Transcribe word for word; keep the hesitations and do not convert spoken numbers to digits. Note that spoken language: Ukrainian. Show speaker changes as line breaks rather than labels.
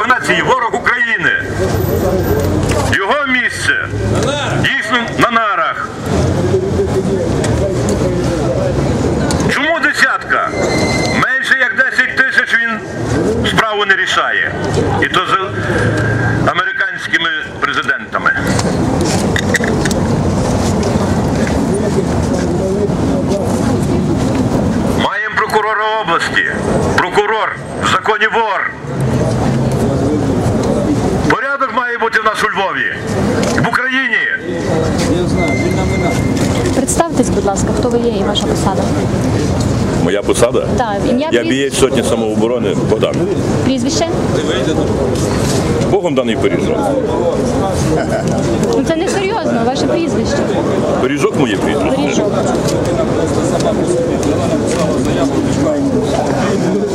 нації, ворог України. Його місце дійсно на нарах. Чому десятка? Менше як десять тисяч він справу не рішає. І то з американськими президентами. Маємо прокурора області. Прокурор в законі вор. Порядок має бути в нас у Львові. В Україні.
Представтесь, будь ласка, хто ви є і ваша посада.
Моя посада?
Так, ім'я,
Я
пріз-
бієць сотні самооборони Богдан.
Прізвище?
Богом даний пиріжок.
Ну це не серйозно, ваше прізвище.
Пиріжок моє прізвище.
Пиріжок.